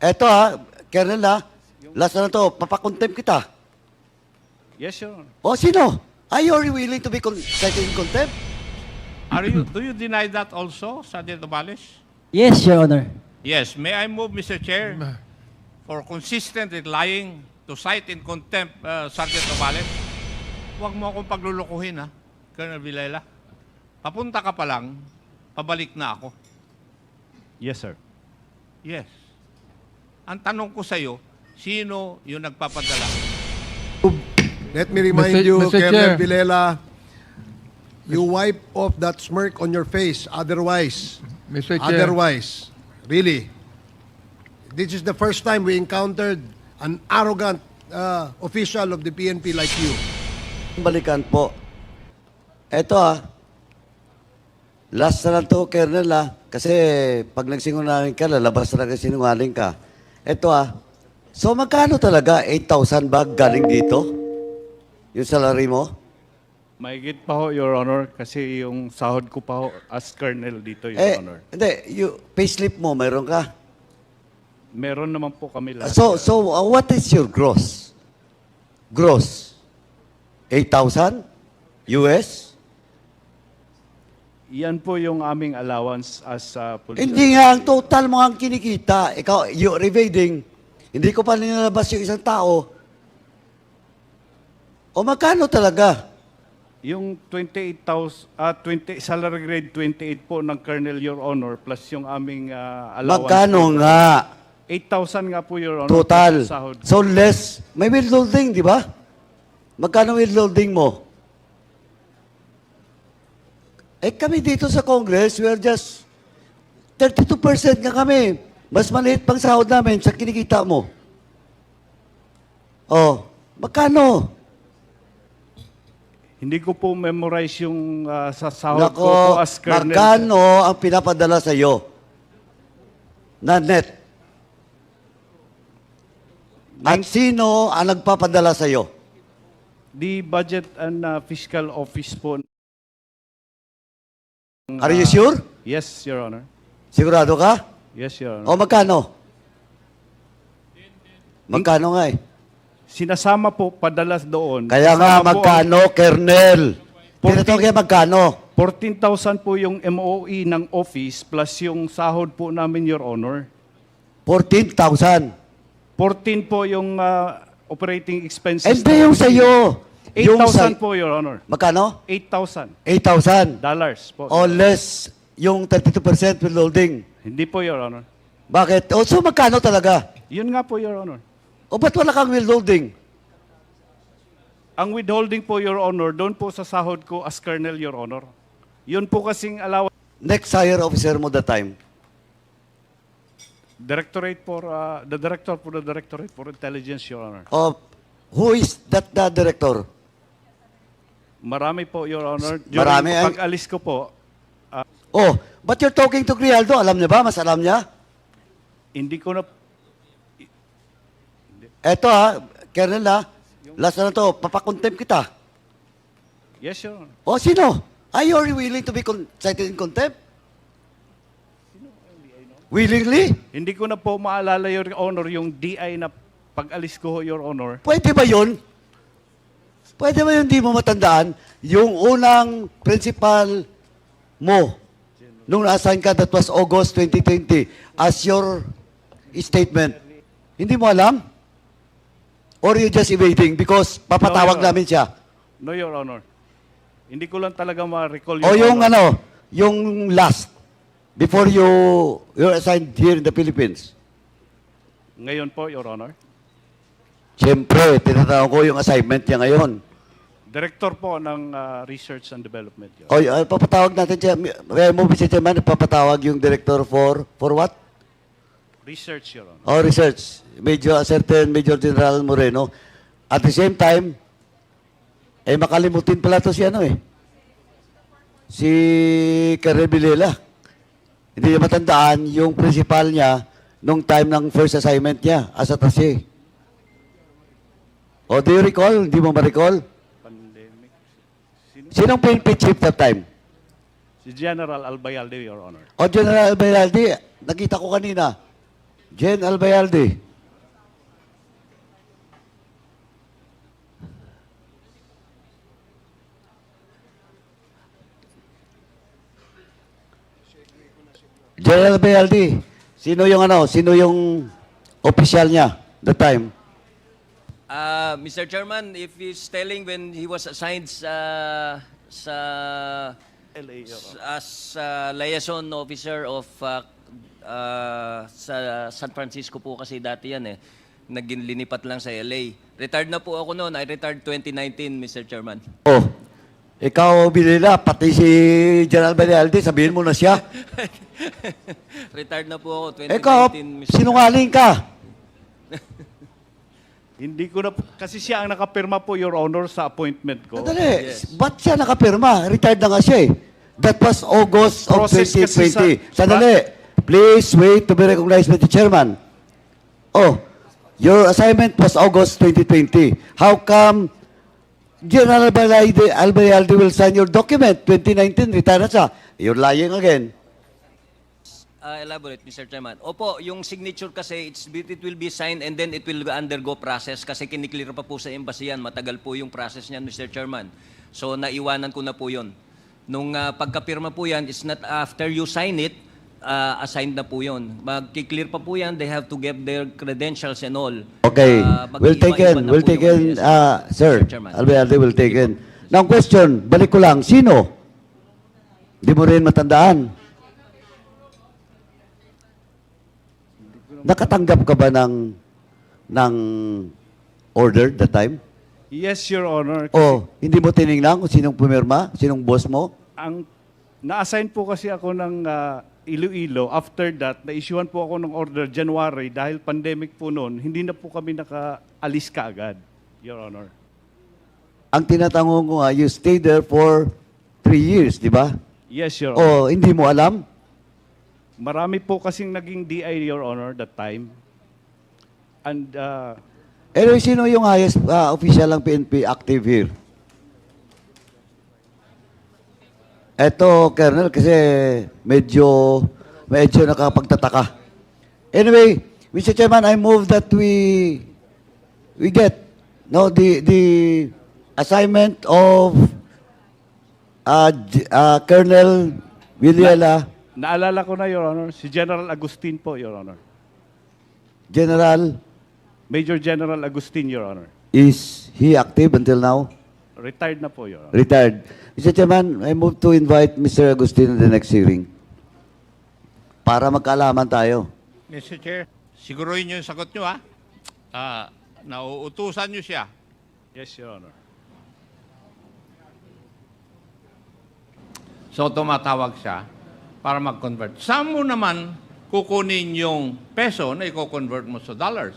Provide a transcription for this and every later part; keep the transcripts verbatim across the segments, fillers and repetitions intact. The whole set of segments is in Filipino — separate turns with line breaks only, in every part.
Eto ha, Colonel ha, last na to, papakontempt kita.
Yes, Your Honor.
O sino? Are you willing to be con- cited in contempt?
Are you, do you deny that also, Sergeant Obales?
Yes, Your Honor.
Yes. May I move, Mister Chair, for consistent in lying to cite in contempt uh, Sergeant Obales? Huwag mo akong paglulukuhin, ha, Colonel Villela. Papunta ka pa lang, pabalik na ako.
Yes, sir.
Yes. Ang tanong ko sa'yo, sino yung nagpapadala?
Let me remind
Mister
you,
Mister
Colonel
Chair.
Vilela, you wipe off that smirk on your face. Otherwise,
Mister Chair.
otherwise, really, this is the first time we encountered an arrogant uh, official of the P N P like you.
Balikan po. Eto ha, last na lang to, Colonel ha, kasi pag nagsinungaling ka, lalabas talaga sinungaling ka. Eto ha, so magkano talaga? eight thousand ba galing dito? Yung salary mo?
Mahigit pa ho, Your Honor, kasi yung sahod ko pa ho as colonel dito, Your
Eh,
Honor.
hindi, yung payslip mo, mayroon ka?
Meron naman po kami lahat.
So, so uh, what is your gross? Gross? eight thousand? U S?
Yan po yung aming allowance as uh, police.
Hindi nga, ang total mo ang kinikita. Ikaw, you're evading. Hindi ko pa nilalabas yung isang tao. O magkano talaga?
Yung twenty-eight thousand, ah, twenty, salary grade twenty-eight po ng colonel, Your Honor, plus yung aming uh, allowance.
Magkano
po.
nga?
eight thousand nga po, Your Honor.
Total.
plus sahod.
So less. May withholding, di ba? Magkano withholding mo? Eh kami dito sa Congress, we are just thirty-two percent nga kami. Mas maliit pang sahod namin sa kinikita mo. Oh, magkano?
Hindi ko po memorize yung uh, sa sahod ko
Nako,
po as colonel.
magkano ang pinapadala sa iyo? Na net. At sino ang nagpapadala sa iyo?
The Budget and uh, Fiscal Office po.
Are you sure?
Yes, Your Honor.
Sigurado ka?
Yes, Your Honor.
O magkano? Magkano nga eh?
Sinasama po padalas doon.
Kaya nga
Kasama po
magkano, Kernel?
Forty-
Tinatanong kaya magkano?
ang fourteen thousand po yung M O E ng office plus yung sahod po namin, Your Honor.
fourteen thousand.
fourteen po yung uh, operating expenses.
Hindi
ng
yung
office.
sa'yo. Yung
eight thousand
sa-
po, Your Honor.
Magkano?
eight thousand
eight thousand.
dollars po.
O less yung thirty-two percent withholding.
Hindi po, Your Honor.
Bakit? O so magkano talaga?
Yun nga po, Your Honor.
O ba't wala kang withholding?
Ang withholding po, Your Honor, doon po sa sahod ko as colonel, Your Honor. Yun po kasing allowance.
Next higher officer mo that time.
Directorate for, uh, the director for the Directorate for Intelligence, Your Honor.
O who is that the director?
Marami po, Your Honor. During
Marami, ay-
pag-alis ko po,
Oh, but you're talking to Grijaldo. Alam niya ba? Mas alam niya?
hindi ko na
Eto ha, Colonel ha, last na to, papakontempt kita.
Yes, Your Honor.
O sino? Are you willing to be con- cited in contempt? Willingly?
Hindi ko na po maalala, Your Honor, yung D I na pag-alis ko, Your Honor.
Pwede ba yun? Pwede ba yun di mo matandaan? Yung unang principal mo, nung na-assign ka, that was August twenty twenty, as your statement, hindi mo alam? Or you just evading because papatawag
No, Your
namin siya?
No, Your Honor. Hindi ko lang talaga ma-recall,
O
Your
yung
Honor.
ano, yung last, before you you're assigned here in the Philippines.
Ngayon po, Your Honor.
Siyempre, tinatanong ko yung assignment niya ngayon.
Director po ng uh, Research and Development, Your
O, uh, papatawag natin siya. Kaya mo, Mister Chairman, papatawag yung director for, for what?
Research, Your Honor.
O, research. Major, a certain Major General Moreno. At the same time, eh, makalimutin pala to si ano eh. Si Colonel Villela. Hindi niya matandaan yung principal niya nung time ng first assignment niya as attaché. O, do you recall? Hindi mo ma-recall?
Pandemic. Sino?
Sinong P N P chief that time?
Si General Albayalde, Your Honor.
O, General Beraldi, nakita ko kanina. Jen Albayalde. Jen Albayalde. Sino yung ano? Sino yung official niya that time?
Uh, Mister Chairman, if he's telling when he was assigned sa sa
L A, Your Honor.
as uh, liaison officer of uh, uh, sa San Francisco po kasi dati yan eh. Naging linipat lang sa L A. Retired na po ako noon. I retired twenty nineteen, Mister Chairman.
Oh, ikaw, Bilila, pati si General Albayalde, sabihin mo na siya.
Retired na po ako twenty nineteen,
Ikaw,
Mister
sinungaling ka.
Hindi ko na, kasi siya ang nakapirma po, Your Honor, sa appointment ko.
Sandali,
Yes.
ba't siya nakapirma? Retired na nga siya eh. That was August of
Process
twenty
kasi
twenty.
sa-
Sandali, please wait to be recognized by the chairman. Oh, your assignment was August twenty twenty. How come General Albayalde, Albayalde will sign your document? twenty nineteen, retire na siya. You're lying again.
Uh, elaborate, Mister Chairman. Opo, yung signature kasi, it's, it will be signed and then it will undergo process kasi kiniklear pa po sa embassy yan. Matagal po yung process niyan, Mister Chairman. So, naiwanan ko na po yun. Nung uh, pagkapirma po yan, it's not after you sign it, uh, assigned na po yun. Magkiklear pa po yan, they have to give their credentials and all.
Okay,
Uh,
we'll take
mag-iiba-iba
in,
na
we'll
po
take
yung-
in,
yes,
uh, sir,
Mister Chairman.
Albayalde will take in. Now question, balik ko lang, sino? Di mo rin matandaan. Nakatanggap ka ba ng, ng order that time?
Yes, Your Honor.
O hindi mo tinignan kung sinong pumirma, sinong boss mo?
Ang na-assign po kasi ako ng ah, Iloilo. After that, na-issuean po ako ng order January dahil pandemic po noon, hindi na po kami nakaalis kaagad, Your Honor.
Ang tinatanong ko nga, you stayed there for three years, di ba?
Yes, Your Honor.
O hindi mo alam?
Marami po kasing naging D I, Your Honor, that time. And uh,
Anyway, sino yung highest uh, official ng P N P active here? Eto, Colonel, kasi medyo, medyo nakapagtataka. Anyway, Mister Chairman, I move that we, we get, no, the, the assignment of uh, J- uh, Colonel Villela,
naalala ko na, Your Honor, si General Agustin po, Your Honor.
General,
Major General Agustin, Your Honor.
is he active until now?
Retired na po, Your Honor.
Retired. Mister Chairman, I move to invite Mister Agustin in the next hearing. Para magkaalaman tayo.
Mister Chair, siguruhin niyo yung sagot niyo, ha? Ah, nauutusan niyo siya.
Yes, Your Honor.
So, tumatawag siya para mag-convert. Saan mo naman kukunin yung peso na i-convert mo sa dollars?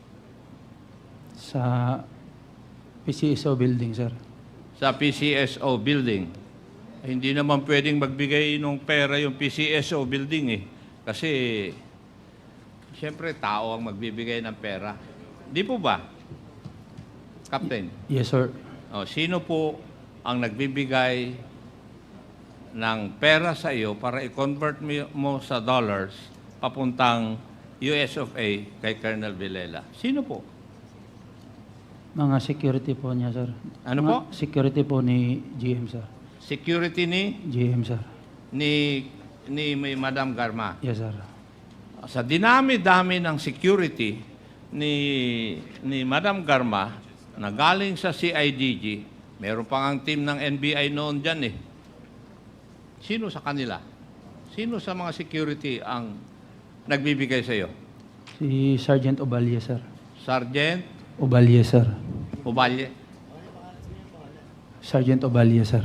Sa P C S O building, sir.
Sa P C S O building. Eh, hindi naman pwedeng magbigay ng pera yung P C S O building eh. Kasi, siyempre, tao ang magbibigay ng pera. Di po ba? Captain,
Yes, sir.
oh, sino po ang nagbibigay ng pera sa iyo para i-convert mo- mo sa dollars papuntang U S of A kay Colonel Villela? Sino po?
Mga security po niya, sir.
Ano
Mga
po?
Security po ni G M, sir.
Security ni
G M, sir.
ni ni may Madam Garma.
Yes, sir.
Sa dinami-dami ng security ni ni Madam Garma na galing sa C I D G, meron pang ang team ng N B I noon dyan eh. Sino sa kanila? Sino sa mga security ang nagbibigay sa iyo?
Si Sergeant Obalye, sir.
Sergeant
Obalye, sir.
Ubalye?
Sergeant Obalye, sir.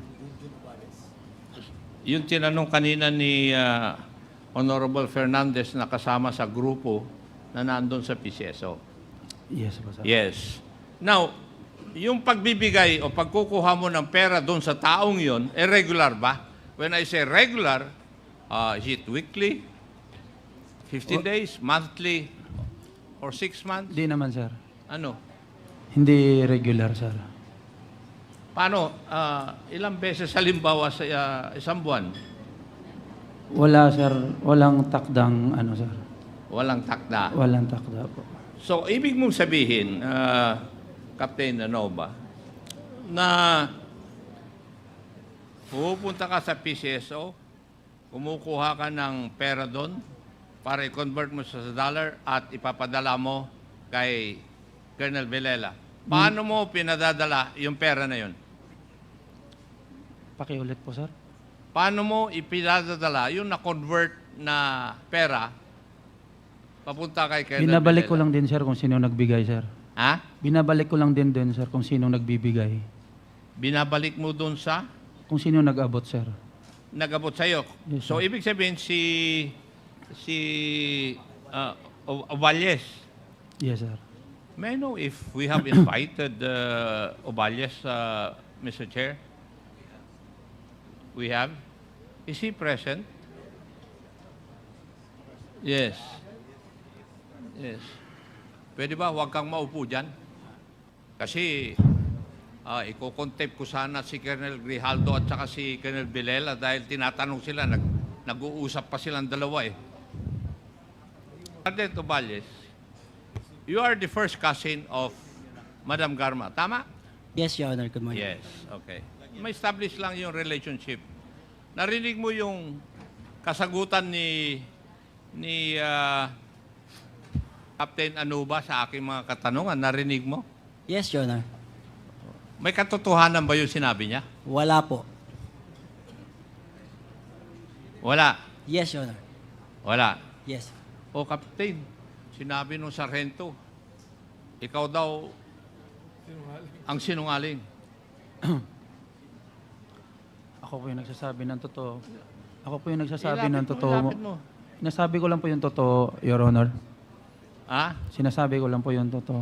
Yung tinanong kanina ni ah, Honorable Fernandez na kasama sa grupo na nandun sa P C S O.
Yes po, sir.
Yes. Now, yung pagbibigay o pagkukuha mo ng pera doon sa taong yon, eh regular ba? When I say regular, uh, is it weekly, fifteen days, monthly, or six months?
Hindi naman, sir.
Ano?
Hindi regular, sir.
Paano? Ah, ilang beses halimbawa sa ah, isang buwan?
Wala, sir. Walang takdang, ano, sir.
Walang takda.
Walang takda po.
So, ibig mong sabihin, uh, Captain Anova, na pupunta ka sa P C S O, kumukuha ka ng pera doon para i-convert mo sa dollar at ipapadala mo kay Colonel Villela. Paano mo pinadadala yung pera na yun?
Pakiulit po, sir.
Paano mo ipinadadala yung na-convert na pera papunta kay Colonel
Binabalik ko
Villela?
lang din, sir, kung sino nagbigay, sir.
Ha?
Binabalik ko lang din din, sir, kung sino nagbibigay.
Binabalik mo doon sa
Kung sino nag-abot, sir.
nag-abot sa'yo.
Yes,
So,
sir.
ibig sabihin, si si uh, O- Ovalles,
Yes, sir.
may I know if we have invited uh, Ovalles, uh, Mister Chair? We have? Is he present? Yes. Yes. Pwede ba huwag kang maupo dyan? Kasi uh, iko-contempt ko sana si Colonel Grijaldo at saka si Colonel Villela dahil tinatanong sila, nag, nag-uusap pa silang dalawa eh. Sergeant Ovalles, you are the first cousin of Madam Garma, tama?
Yes, Your Honor. Good morning.
Yes, okay. Ma-establish lang yung relationship. Narinig mo yung kasagutan ni ni ah, Captain Anuba sa aking mga katanungan. Narinig mo?
Yes, Your Honor.
May katotohanan ba yung sinabi niya?
Wala po.
Wala.
Yes, Your Honor.
Wala.
Yes.
O Captain, sinabi nung sarhento, ikaw daw ang sinungaling.
Ako po yung nagsasabi ng totoo. Ako po yung nagsasabi
Ilapit
ng
mo,
totoo.
ilapit mo.
Nasabi ko lang po yung totoo, Your Honor.
Ha?
Sinasabi ko lang po yung totoo.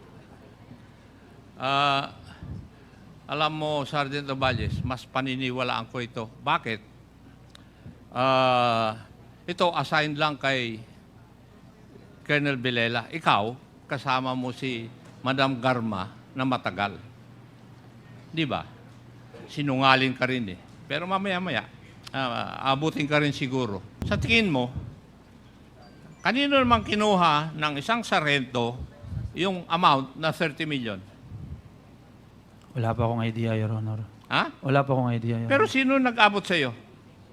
Ah, alam mo, Sergeant Ovalles, mas paniniwalaan ko ito. Bakit? Ah, ito, assigned lang kay Colonel Villela. Ikaw, kasama mo si Madam Garma na matagal. Di ba? Sinungaling ka rin eh. Pero mamaya-maya, ah, abutin ka rin siguro. Sa tingin mo, kanino naman kinuha ng isang sarhento yung amount na thirty million?
Wala pa akong idea, Your Honor.
Ha?
Wala pa akong idea, Your
Pero
Honor.
sino nag-abot sa iyo?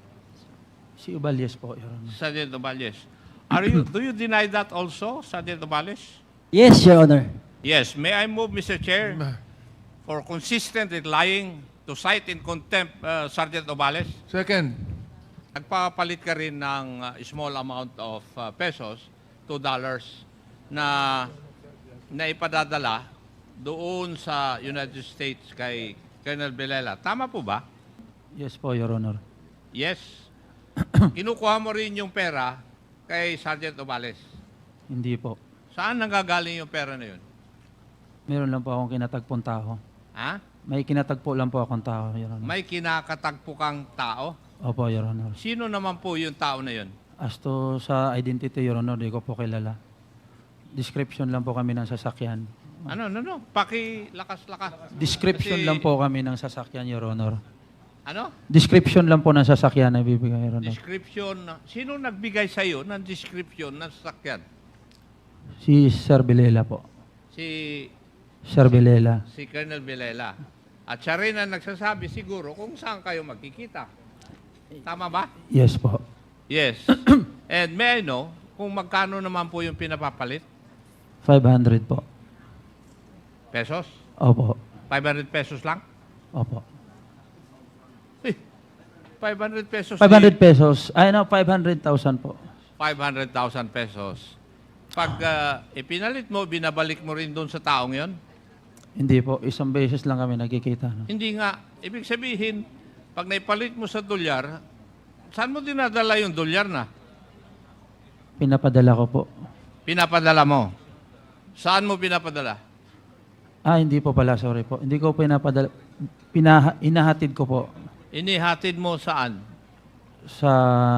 Si Uballes po, Your Honor.
Sergeant Ovalles. Are you do you deny that also, Sergeant Ovalles?
Yes, Your Honor.
Yes. May I move, Mister Chair, for consistent in lying to cite in contempt uh, Sergeant Ovalles?
Second.
Nagpapalit ka rin ng uh, small amount of uh, pesos, two dollars, na na ipadadala doon sa United States kay Colonel Villela. Tama po ba?
Yes po, Your Honor.
Yes. Kinukuha mo rin yung pera kay Sergeant Ovalles.
Hindi po.
Saan nanggagaling yung pera na yun?
Meron lang po akong kinatagpong tao.
Ha?
May kinatagpo lang po akong tao, Your Honor.
May kinakatagpo kang tao?
Opo, Your Honor.
Sino naman po yung tao na yun?
As to sa identity, Your Honor, di ko po kilala. Description lang po kami ng sasakyan.
Ano, no, no. Paki-lakas-lakas.
Description
Kasi-
lang po kami ng sasakyan, Your Honor.
Ano?
Description lang po ng sasakyan na bibigay, Your Honor.
Description. na- Sino nagbigay sa'yo ng description ng sasakyan?
Si Sir Villela po.
Si,
Sir Villela.
si Colonel Villela. At siya rin ang nagsasabi siguro kung saan kayo magkikita. Tama ba?
Yes po.
Yes. And may I know kung magkano naman po yung pinapapalit?
five hundred po.
Pesos?
Opo.
five hundred pesos lang?
Opo.
Eh, five hundred pesos.
five hundred pesos. Ay, no, five hundred thousand po.
five hundred thousand pesos. Pag uh, ipinalit mo, binabalik mo rin doon sa taong yon?
Hindi po. Isang beses lang kami nagkikita. No?
Hindi nga. Ibig sabihin, pag naipalit mo sa dolyar, saan mo dinadala yung dolyar na?
Pinapadala ko po.
Pinapadala mo. Saan mo pinapadala?
Ah, hindi po pala. Sorry po. Hindi ko pinapadala. Pinaha, inahatid ko po
Inihatid mo saan?
sa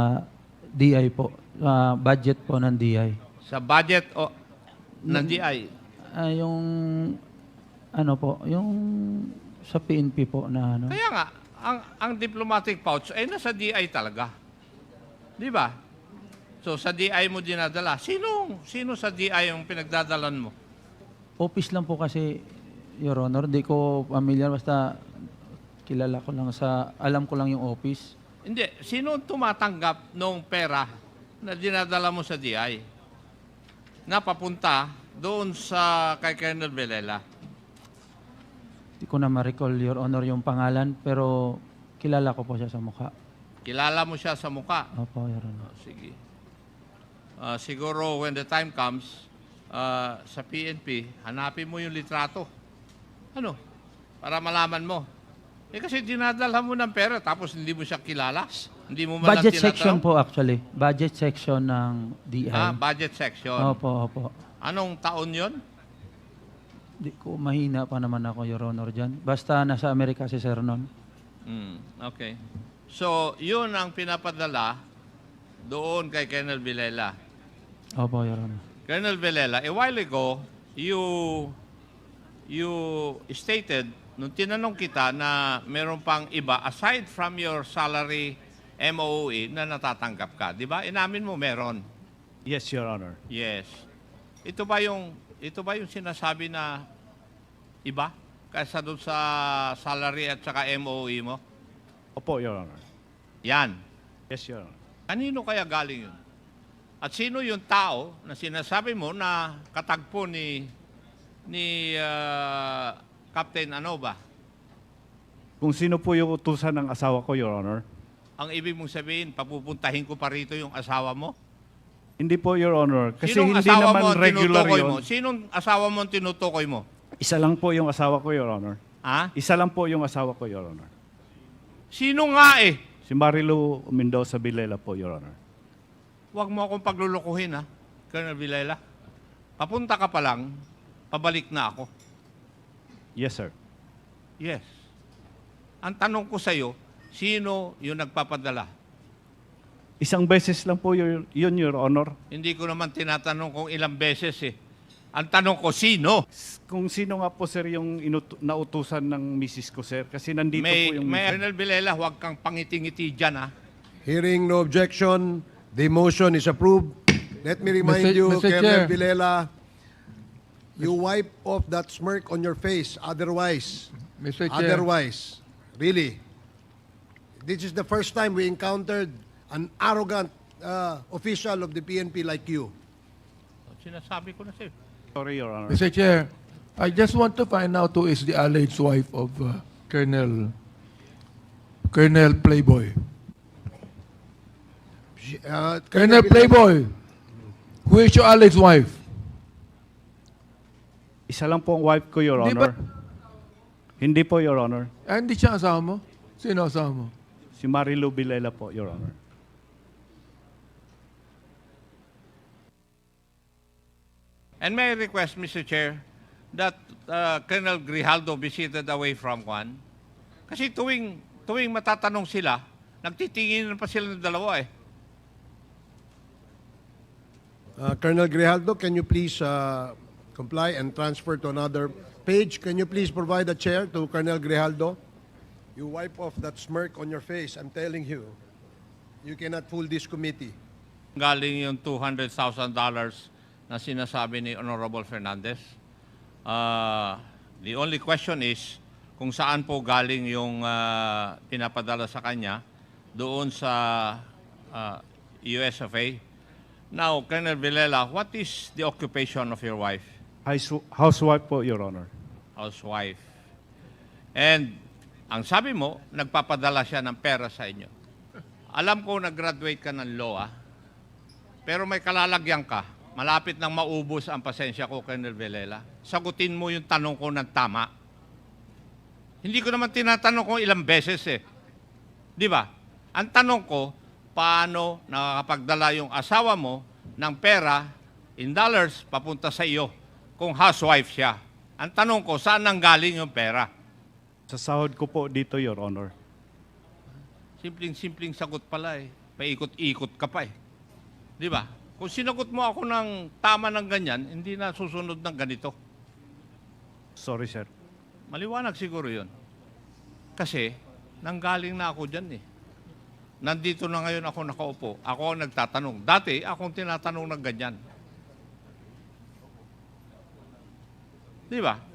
D I po. Sa budget po ng D I.
Sa budget o ng D I?
Ah, yung ano po, yung sa P N P po na ano.
Kaya nga, ang, ang diplomatic pouch ay nasa D I talaga. Di ba? So sa D I mo dinadala. Sino, sino sa D I yung pinagdadalan mo?
Office lang po kasi, Your Honor. Di ko familiar. Basta kilala ko lang sa, alam ko lang yung office.
Hindi. Sino ang tumatanggap ng pera na dinadala mo sa D I? Na papunta doon sa kay Colonel Villela.
Di ko na ma-recall, Your Honor, yung pangalan. Pero kilala ko po siya sa mukha.
Kilala mo siya sa muka.
Opo, Your Honor.
Oh, sige. Ah, siguro when the time comes, ah, sa P N P, hanapin mo yung litrato. Ano? Para malaman mo. Eh kasi dinadala mo ng pera tapos hindi mo siya kilala. Hindi mo man lang
Budget
tinatanong.
section po actually. Budget section ng D I.
Ah, budget section.
Opo, opo.
Anong taon yon?
Di ko mahina pa naman ako, Your Honor, dyan. Basta nasa Amerika si Sir nun.
Hmm, okay. So, yun ang pinapadala doon kay Colonel Villela.
Opo, Your Honor.
Colonel Villela, a while ago, you you stated, nung tinanong kita na meron pang iba, aside from your salary M O O E, na natatanggap ka. Di ba? Inamin mo meron.
Yes, Your Honor.
Yes. Ito ba yung, ito ba yung sinasabi na iba? Kaysa doon sa salary at saka M O O E mo?
Opo, Your Honor.
Yan.
Yes, Your Honor.
Kanino kaya galing yun? At sino yung tao na sinasabi mo na katagpo ni ni ah, Captain ano ba?
Kung sino po yung utusan ng asawa ko, Your Honor?
Ang ibig mong sabihin, papupuntahin ko pa rito yung asawa mo?
Hindi po, Your Honor. Kasi
Sinong
hindi
asawa
naman
mo ang
regular
tinutukoy
yun.
mo? Sinong asawa mo ang tinutukoy mo?
Isa lang po yung asawa ko, Your Honor.
Ha?
Isa lang po yung asawa ko, Your Honor.
Sino nga eh?
Si Marilu Mendoza Villela po, Your Honor.
Huwag mo akong paglulukuhin ha, Colonel Villela. Papunta ka pa lang, pabalik na ako.
Yes, sir.
Yes. Ang tanong ko sa'yo, sino yung nagpapadala?
Isang beses lang po yun, yun, Your Honor.
Hindi ko naman tinatanong kung ilang beses eh. Ang tanong ko, sino?
Kung sino nga po, sir, yung inutu- nautusan ng misis ko, sir. Kasi nandito
May,
po yung...
may Colonel Villela, huwag kang pangiti-ngiti dyan ha.
Hearing no objection, the motion is approved. Let me remind
Mister
you,
Mister
Colonel
Chair.
Villela, you wipe off that smirk on your face. Otherwise,
Mister Chair.
otherwise, really, this is the first time we encountered an arrogant uh, official of the P N P like you.
Sinasabi ko na sa'yo.
Sorry, Your Honor.
Mister Chair, I just want to find out who is the alleged wife of uh, Colonel Colonel Playboy.
Uh,
Colonel
Villela-
Playboy, who is your alleged wife?
Isa lang po ang wife ko, Your
Di
Honor.
ba-
Hindi po, Your Honor.
Ah, hindi siya asawa mo? Sino asawa mo?
Si Marilu Villela po, Your Honor.
And may I request, Mister Chair, that uh, Colonel Grijaldo be seated away from Juan? Kasi tuwing, tuwing matatanong sila, nagtitingin pa sila ng dalawa eh.
Uh, Colonel Grijaldo, can you please uh, comply and transfer to another page? Can you please provide a chair to Colonel Grijaldo? You wipe off that smirk on your face. I'm telling you, you cannot fool this committee.
Galing yung two hundred thousand dollars na sinasabi ni Honorable Fernandez. Uh, the only question is kung saan po galing yung uh, pinapadala sa kanya doon sa uh, U S F A. Now, Colonel Villela, what is the occupation of your wife?
House- Housewife po, Your Honor.
Housewife. And ang sabi mo, nagpapadala siya ng pera sa inyo. Alam ko nag-graduate ka ng law, ah. Pero may kalalagyan ka. Malapit nang maubos ang pasensya ko, Colonel Villela. Sagutin mo yung tanong ko ng tama. Hindi ko naman tinatanong kung ilang beses eh. Di ba? Ang tanong ko, paano nakakapagdala yung asawa mo ng pera in dollars papunta sa iyo kung housewife siya? Ang tanong ko, saan nanggaling yung pera?
Sa sahod ko po dito, Your Honor.
Simpleng-simpleng sagot pala eh. Paikot-ikot ka pa eh. Di ba? Kung sinagot mo ako ng tama ng ganyan, hindi na susunod ng ganito.
Sorry, sir.
Maliwanag siguro yun. Kasi, nanggaling na ako dyan eh. Nandito na ngayon ako nakaupo. Ako ang nagtatanong. Dati, akong tinatanong ng ganyan. Di ba?